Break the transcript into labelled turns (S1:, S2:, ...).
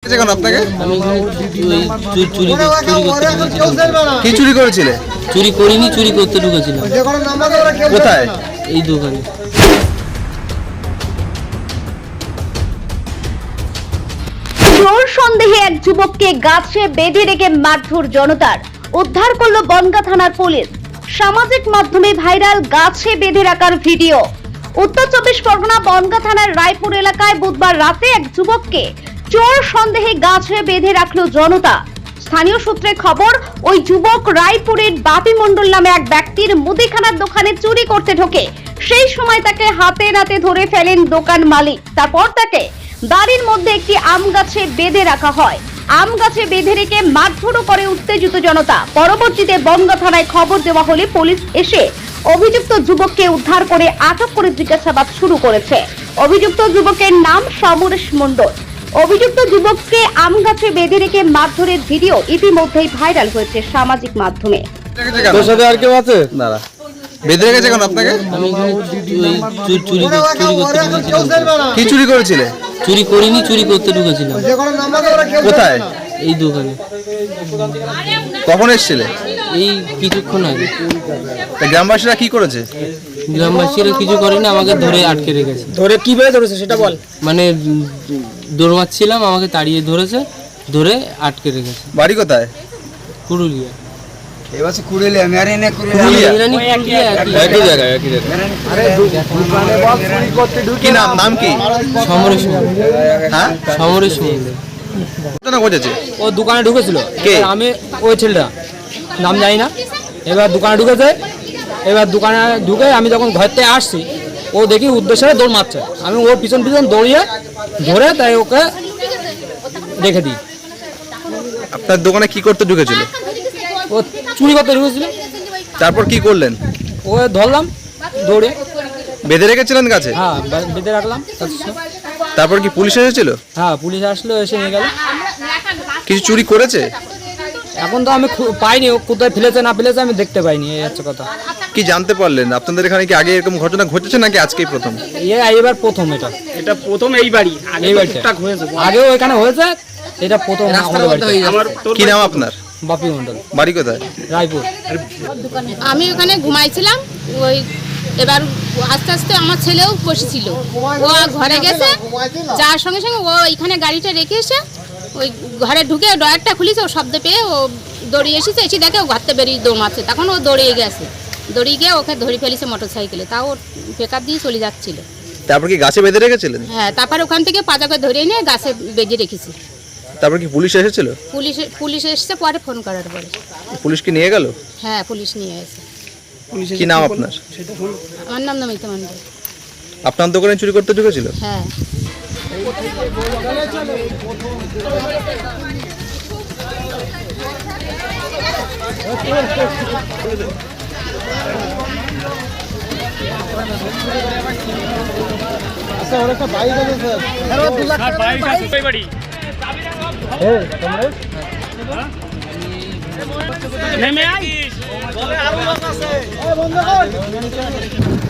S1: কেন আপনাকে?
S2: আমি চুরি
S1: কি চুরি করেছিলে?
S2: চুরি করিনি, চুরি করতে ঢুকেছিলাম।
S1: কোথায়?
S2: এই দোকানে।
S3: চোর সন্দেহে এক যুবককে গাছে বেঁধে রেখে মারধর জনতার, উদ্ধার করলো বনগাঁ থানার পুলিশ। সামাজিক মাধ্যমে ভাইরাল গাছে বেঁধে রাখার ভিডিও। উত্তর 24 পরগনা বনগাঁ থানার রায়পুর এলাকায় বুধবার রাতে এক যুবককে চোর সন্দেহে গাছে বেঁধে রাখলো জনতা। স্থানীয় সূত্রে খবর, ওই যুবক রায়পুরের বাপি মণ্ডল নামে এক ব্যক্তির মুদিখানার দোকানে চুরি করতে ঢোকে। সেই সময় তাকে হাতে নাতে ধরে ফেলেন দোকান মালিক। তারপর তাকে বাড়ির মধ্যে একটি আম গাছে বেঁধে রাখা হয়। আম গাছে বেঁধে রেখে মারধরও করে উত্তেজিত জনতা। পরবর্তীতে বনগাঁ থানায় খবর দেওয়া হলে পুলিশ এসে অভিযুক্ত যুবককে উদ্ধার করে আটক করে জিজ্ঞাসাবাদ শুরু করেছে। অভিযুক্ত যুবকের নাম সমরেশ মণ্ডল। অভিযুক্ত যুবককে আম গাছে বেঁধে রেখে মারধরের ভিডিও ইতিমধ্যেই ভাইরাল হয়েছে সামাজিক মাধ্যমে।
S1: তোর সাথে আর কেউ আছে? না, বেঁধে রেখেছে কেন আপনাকে?
S2: আমি চুরি করতে ঢুকেছিলাম।
S1: কি চুরি করেছিলে?
S2: চুরি করিনি, চুরি করতে ঢুকেছিলাম।
S1: কোথায়?
S2: এই দোকানে।
S1: কখন এসেছিলে?
S2: এই কিছুক্ষণ আগে।
S1: তা গ্রামবাসীরা কি করেছে?
S2: গ্রামবাসীরা কিছু করেনি, আমাকে ধরে আটকে রেখেছে।
S4: ধরে কিভাবে ধরেছে সেটা বল।
S2: মানে দৌড়াচ্ছিলাম, আমাকে তাড়িয়ে ধরেছে, ধরে আটকে রেখেছে।
S1: বাড়ি কোথায়?
S2: পুরুলিয়া।
S1: একই জায়গায়। কি নাম কি?
S2: সমরেশ মণ্ডল।
S1: হ্যাঁ,
S2: সমরেশ মণ্ডল।
S1: ঘটনা ঘটেছে।
S4: ও দোকানে ঢুকেছিল।
S1: কে?
S4: আমি ওই ছেলেটা নাম জানি না। এবার দোকানে ঢুকেছে। এবার দোকানে ঢুকে আমি যখন ঘর থেকে আসছি, ও দেখি উদ্দেশ্যে দৌড় মারছে। আমি ওর পিছন পিছন দৌড়িয়ে ধরে তাই ওকে রেখে দিই।
S1: আপনার দোকানে কি করতে ঢুকেছিল?
S4: ও চুরি করতে ঢুকেছিল।
S1: তারপর কি করলেন?
S4: ও ধরলাম দৌড়ে।
S1: বেঁধে রেখেছিলেন গাছে?
S4: হ্যাঁ, বেঁধে রাখলাম।
S1: তারপর কি পুলিশ এসেছিল?
S4: হ্যাঁ, পুলিশ আসলো, এসে নিয়ে গেল।
S1: কিছু চুরি করেছে?
S4: এখন তো আমি পাইনি, ও কোথায় ফেলেছে না ফেলেছে আমি দেখতে পাইনি। এই হচ্ছে কথা।
S1: কি জানতে পারলেন? আপনাদের এখানে কি আগে এরকম ঘটনা ঘটেছে নাকি আজকেই প্রথম?
S4: এবার প্রথম। এটা প্রথম এই বাড়ি। এই বাড়িটা আগেও এখানে হয়েছে, এটা প্রথম আমাদের বাড়িতে।
S1: কি নাম আপনার?
S4: বাপি মণ্ডল।
S1: বাড়ি কোথায়?
S4: রায়পুর।
S5: আমি ওখানে ঘুমাইছিলাম। ওই এবার আস্তে আস্তে আমার ছেলেও বসেছিল। ও ঘরে গেছে, যাওয়ার সঙ্গে সঙ্গে ও এখানে গাড়িটা রেখে এসে ওই ঘরে ঢুকে ডয়ারটা খুলিছে। ও শব্দ পেয়ে ও দৌড়িয়ে এসেছে। এসে দেখে ও ঘরতে বেরিয়ে দৌড়াচ্ছে। তখন ও দৌড়িয়ে গেছে। দৌড়িয়ে গিয়ে ওকে ধরে ফেলেছে মোটর সাইকেলে। তাও ও পেকআপ দিয়ে চলে যাচ্ছিল।
S1: তারপর কি গাছে বেঁধে রেখেছিলেন?
S5: হ্যাঁ, তারপর ওখান থেকে পাজাকে ধরে নিয়ে গাছে বেঁধে রেখেছি।
S1: তারপর কি পুলিশ এসেছিল?
S5: পুলিশ এসছে পরে ফোন করার পরে।
S1: পুলিশ কি নিয়ে গেল?
S5: হ্যাঁ, পুলিশ নিয়ে এসে।
S1: কি নাম আপনার?
S5: আমার নাম নমিতা মণ্ডল।
S1: আপনার দোকানে চুরি করতে ঢুকেছিল?
S5: হ্যাঁ।
S4: নেমে আই।